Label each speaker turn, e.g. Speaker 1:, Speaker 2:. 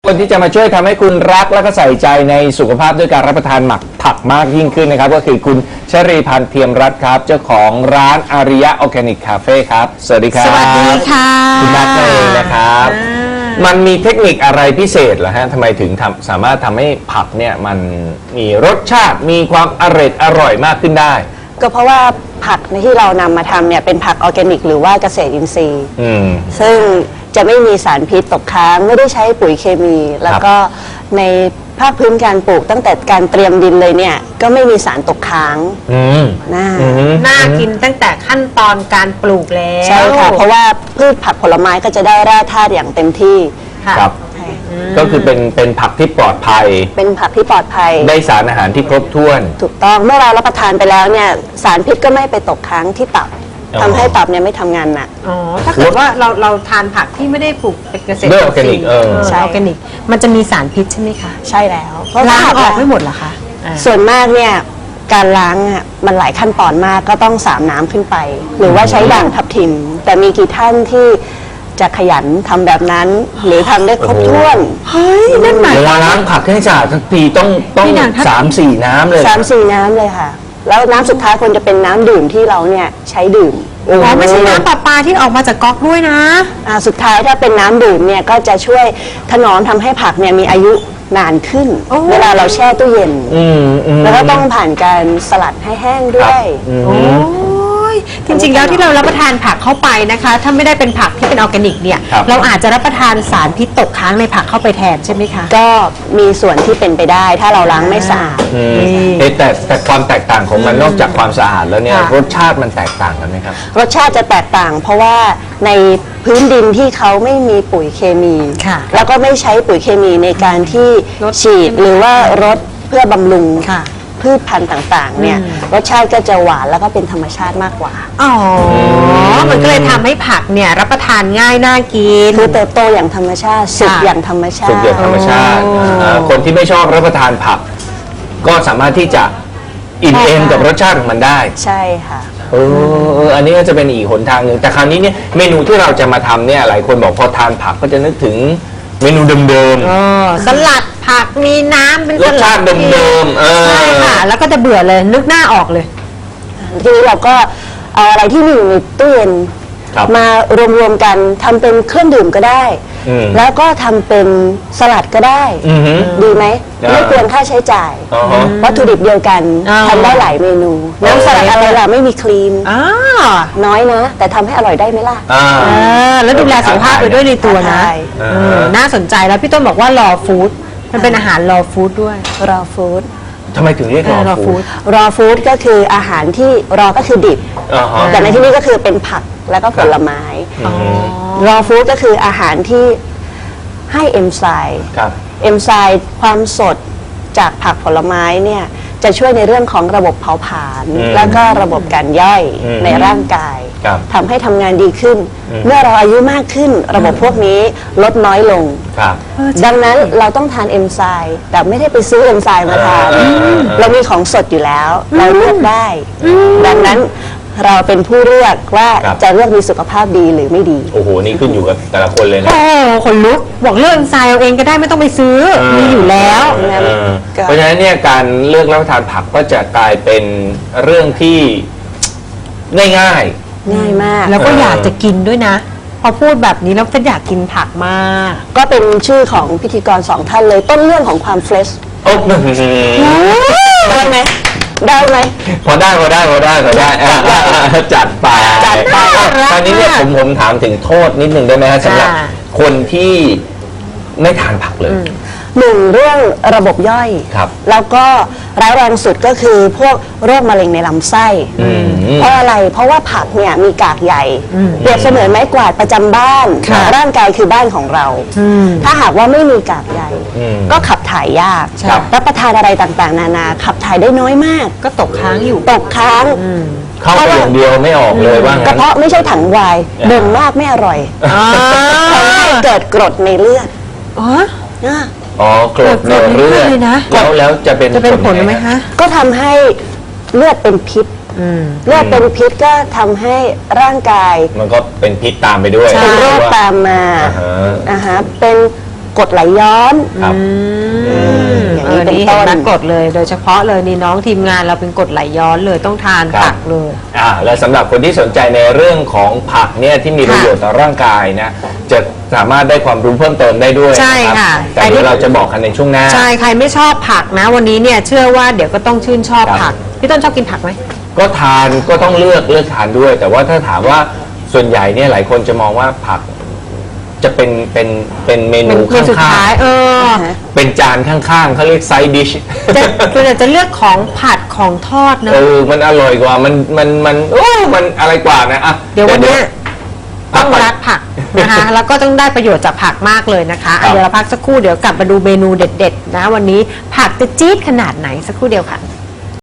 Speaker 1: คนที่จะมาช่วยทำให้คุณรักและก็ใส่ใจในสุขภาพด้วยการรับประทานหมักผักมากยิ่งขึ้นนะครับก็คือคุณชรีพันธ์เทียมรัตน์ครับเจ้าของร้านอาริยะออร์แกนิกคาเฟ่ครับสวัสดีครับ
Speaker 2: สวัสดีค่ะ
Speaker 1: คุณนัทเองนะครับมันมีเทคนิคอะไรพิเศษเหรอฮะทำไมถึงสามารถทำให้ผักเนี่ยมันมีรสชาติมีความอร่อยมากขึ้นได้
Speaker 2: ก็เพราะว่าผักที่เรานำมาทำเนี่ยเป็นผักออร์แกนิกหรือว่าเกษตรอินทรีย์ซึ่งจะไม่มีสารพิษตกค้างไม่ได้ใช้ปุ๋ยเคมีแล้วก็ในภาคพื้นการปลูกตั้งแต่การเตรียมดินเลยเนี่ยก็ไม่มีสารตกค้าง
Speaker 3: น่ากินตั้งแต่ขั้นตอนการปลูกแล้ว
Speaker 2: ใช่ค่ะเพราะว่าพืชผักผลไม้ก็จะได้แร่ธาตุอย่างเต็มที่
Speaker 1: ครับก็คือเป็นผักที่ปลอดภัย
Speaker 2: เป็นผักที่ปลอดภัย
Speaker 1: ได้สารอาหารที่ครบถ้วน
Speaker 2: ถูกต้องเมื่อเรารับประทานไปแล้วเนี่ยสารพิษก็ไม่ไปตกค้างที่ตับทำให้ตับเนี่ยไม่ทำงานหนัก
Speaker 3: ถ้าเกิดว่าเราทานผักที่ไม่ได้ปลูกเป็นเกษตร
Speaker 1: ออร์แกนิก
Speaker 3: ใช่ออร์แกนิกมันจะมีสารพิษใช่ไหมคะ
Speaker 2: ใช่แล้ว
Speaker 3: ล้างออกไม่หมดเหรอคะ
Speaker 2: ส่วนมากเนี่ยการล้างอ่ะมันหลายขั้นตอนมากก็ต้อง3 น้ำขึ้นไปหรือว่าใช้ด่างทับทิมแต่มีกี่ท่านที่จะขยันทำแบบนั้นหรือทำได้ครบถ้วน
Speaker 3: เฮ้ยนั่นหมาย
Speaker 1: เวลาล้างผักให้สะอาดทั้งทีต้อง3-4 น้ำเลย
Speaker 2: 3-4 น้ำเลยค่ะแล้วน้ำสุดท้ายควรจะเป็นน้ำดื่มที่เราเนี่ยใช้ดื่ม
Speaker 3: ไม่ใช่น้ำประปาที่ออกมาจากก๊อกด้วยนะ
Speaker 2: สุดท้ายถ้าเป็นน้ำดื่มเนี่ยก็จะช่วยถนอมทำให้ผักเนี่ยมีอายุนานขึ้นเวลาเราแช่ตู้เย็นแล้วก็ต้องผ่านการสลัดให้แห้งด้วย
Speaker 3: จริงๆแล้วที่เรารับประทานผักเข้าไปนะคะถ้าไม่ได้เป็นผักที่เป็นออร์แกนิกเนี่ยเราอาจจะรับประทานสารพิษตกค้างในผักเข้าไปแทนใช่ไหมคะ
Speaker 2: ก็มีส่วนที่เป็นไปได้ถ้าเราล้างไม่สะอาด
Speaker 1: แต่ความแตกต่างของมันนอกจากความสะอาดแล้วเนี่ยรสชาติมันแตกต่างกันไหมครับ
Speaker 2: รสชาติจะแตกต่างเพราะว่าในพื้นดินที่เขาไม่มีปุ๋ยเคมีแล้วก็ไม่ใช้ปุ๋ยเคมีในการที่ฉีดหรือว่ารดเพื่อบำรุงพืชพันธุ์ต่างๆเนี่ยรสชาติก็จะหวานแล้วก็เป็นธรรมชาติมากกว่า
Speaker 3: มันก็เลยทำให้ผักเนี่ยรับประทานง่ายน่ากิน
Speaker 2: คือเติบโตอย่างธรรมชาติสุกอย่างธรรมชาติ
Speaker 1: สุกอย่างธรรมชาติคนที่ไม่ชอบรับประทานผักก็สามารถที่จะอิ่มเอมกับรสชาติของมันได้
Speaker 2: ใช่ค่ะ
Speaker 1: อันนี้ก็จะเป็นอีกหนทางหนึ่งแต่คราวนี้เนี่ยเมนูที่เราจะมาทำเนี่ยหลายคนบอกพอทานผักก็จะนึกถึงเมนูเดิม
Speaker 3: ๆสลัดผักมีน้ำเป็น
Speaker 1: รสชาติเดิม
Speaker 3: ๆใช่ค่ะแล้วก็จะเบื่อเลยนึกหน้าออกเลย
Speaker 2: ทีนี้เราก็เอาอะไรที่มีอยู่ในตู้เย็นมารวมๆกันทำเป็นเครื่องดื่มก็ได้แล้วก็ทำเป็นสลัดก็ได้ดีไหมไม่เปลืองค่าใช้จ่ายวัตถุดิบเดียวกันทำได้หลายเมนูน้ำสลัดอะไรล่ะไม่มีครีมน้อยนะแต่ทำให้อร่อยได้ไหมล่ะ
Speaker 3: แล้วดูแลสุขภาพไปด้วยในตัวนะน่าสนใจแล้วพี่ต้นบอกว่ารอฟู้ดมันเป็นอาหารรอฟู้ดด้วย
Speaker 2: รอฟู้ด
Speaker 1: ทำไมถึงเรียกรอฟู้ด
Speaker 2: รอฟู้ดก็คืออาหารที่รอก็คือดิบแต่ในที่นี้ก็คือเป็นผักแล้วก็ผลไม้รอฟู้ดก็คืออาหารที่ให้เอนไซม์ความสดจากผักผลไม้เนี่ยจะช่วยในเรื่องของระบบเผาผลาญแล้วก็ระบบการย่อยในร่างกายทำให้ทำงานดีขึ้นเมื่อเราอายุมากขึ้นระบบพวกนี้ลดน้อยลงดังนั้นเราต้องทานเอนไซม์แต่ไม่ได้ไปซื้อเอนไซม์มาทานเรามีของสดอยู่แล้วเราเลือกได้ดังนั้นเราเป็นผู้เลือกว่าจะเลือกมีสุขภาพดีหรือไม่ดี
Speaker 1: โอ้โหนี่ขึ้นอยู่กับแต่ละคนเลยนะ
Speaker 3: คนลุกบอกเลือกเอนไซม์เอาเองก็ได้ไม่ต้องไปซื้อมีอยู่แล้ว
Speaker 1: เพราะฉะนั้นเนี่ยการเลือกรับประทานผักก็จะกลายเป็นเรื่องที่ง่าย
Speaker 2: มาก
Speaker 3: แล้วก็อยากจะกินด้วยนะพอพูดแบบนี้แล้วก็อยากกินผักมาก
Speaker 2: ก็เป็นชื่อของพิธีกร2 ท่านเลยต้นเรื่องของความเฟรชได้ไหมได้ไหม
Speaker 1: พอได้จัดไปตอนนี้เนี่ยผมถามถึงโทษนิดนึงได้ไหมฮะสำหรับคนที่ไม่ทานผักเลย
Speaker 2: 1 เรื่องระบบย่อยแล้วก็ร้ายแรงสุดก็คือพวกโรคมะเร็งในลำไส้เพราะอะไรเพราะว่าผักเนี่ยมีกากใยเปรียบเสมือนไม้กวาดประจำบ้านร่างกายคือบ้านของเราถ้าหากว่าไม่มีกากใยก็ขับถ่ายยากรับประทานอะไรต่างๆนานาขับถ่ายได้น้อยมาก
Speaker 3: ก็ตกค้างอยู่
Speaker 2: ตกค้าง
Speaker 1: เข้าไปอย่างเดียวไม่ออกเลยว่าก
Speaker 2: ระเพาะไม่ใช่ถังวายบ่งมากไม่อร่อยทำให้เกิดกรดในเลือด
Speaker 1: กรดในเลือดแล้วจะเป็น
Speaker 3: ผลไหมคะ
Speaker 2: ก็ทำให้เลือดเป็นพิษเลือดเป็นพิษก็ทำให้ร่างกาย
Speaker 1: มันก็เป็นพิษตามไปด้วย
Speaker 2: เป็นโรคตามมาเป็นกรดไหลย้อน
Speaker 1: ครับ
Speaker 2: อย่างนี้เป็น
Speaker 3: นี่
Speaker 2: ต้
Speaker 3: เห็น
Speaker 2: น
Speaker 3: ไหมกรดเลยโดยเฉพาะเลยนี่น้องทีมงานเราเป็นกรดไหลย้อนเลยต้องทาน
Speaker 1: ครับ
Speaker 3: ผักเลย
Speaker 1: แล้วสำหรับคนที่สนใจในเรื่องของผักเนี่ยที่มีประโยชน์ต่อร่างกายนะจะสามารถได้ความรู้เพิ่มเติมได้ด้วย
Speaker 3: ใช่
Speaker 1: นรับ
Speaker 3: ค่ะ
Speaker 1: แต่เดี๋ยวเราจะบอกกันในช่วงหน้า
Speaker 3: ใช่ใครไม่ชอบผักนะ วันนี้เนี่ยเชื่อว่าเดี๋ยวก็ต้องชื่นชอบ
Speaker 1: ครับ
Speaker 3: ผักพี่ต้นชอบกินผักไหม
Speaker 1: ก็ทานก็ต้องเลือกทานด้วย แต่ว่าถ้าถามว่าส่วนใหญ่เนี่ยหลายคนจะมองว่าผักจะเป็นเมนู
Speaker 3: เป็นสุด
Speaker 1: ข้าง
Speaker 3: ท้าย
Speaker 1: ๆเป็นจานข้างๆเขาเรียกไซด์ดิช
Speaker 3: จะเลือกของผัดของทอดเนอะ
Speaker 1: มันอร่อยกว่ามันอะไรกว่านะอ่ะ
Speaker 3: เดี๋ยววันเนี้ย
Speaker 1: พั
Speaker 3: ต้
Speaker 1: ก
Speaker 3: อง
Speaker 1: ก่อน
Speaker 3: รักผักนะคะ แล้วก็ต้องได้ประโยชน์จากผักมากเลยนะคะ
Speaker 1: ครับ
Speaker 3: เดี๋ยวเราพักสักครู่เดี๋ยวกลับมาดูเมนูเด็ดๆนะวันนี้ผักจะจี๊ดขนาดไหนสักครู่เดียวค่ะ